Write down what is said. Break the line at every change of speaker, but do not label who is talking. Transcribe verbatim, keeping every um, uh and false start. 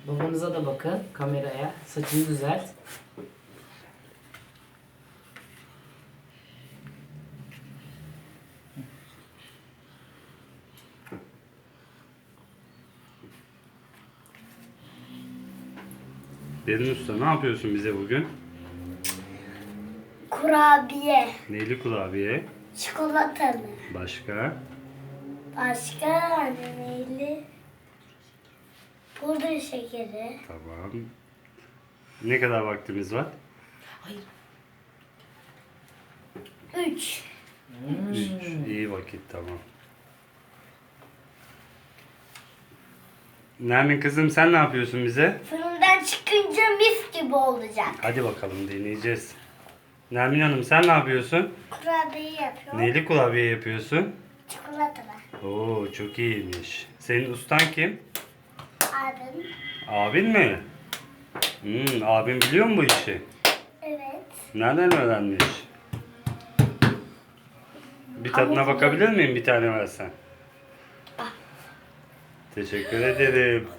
Babanıza da bakın kameraya. Saçını düzelt.
Derin Usta, ne yapıyorsun bize bugün?
Kurabiye.
Neyli kurabiye?
Çikolatalı.
Başka?
Başka neyli? Pudra şekeri.
Tamam. Ne kadar vaktimiz var?
Hayır.
Üç.
Hmm.
Üç. İyi vakit, tamam. Nermin kızım, sen ne yapıyorsun bize?
Fırından çıkınca mis gibi olacak.
Hadi bakalım, deneyeceğiz. Nermin Hanım, sen ne yapıyorsun?
Kurabiye yapıyorum.
Neyli kurabiye yapıyorsun?
Çikolatalı.
Oo, çok iyiymiş. Senin ustan kim?
Abim.
Abin mi? Hmm, abin biliyor mu bu işi?
Evet.
Nereden öğrenmiş? Bir tadına
Ama-
bakabilir miyim? Bir tane versen. Teşekkür ederim.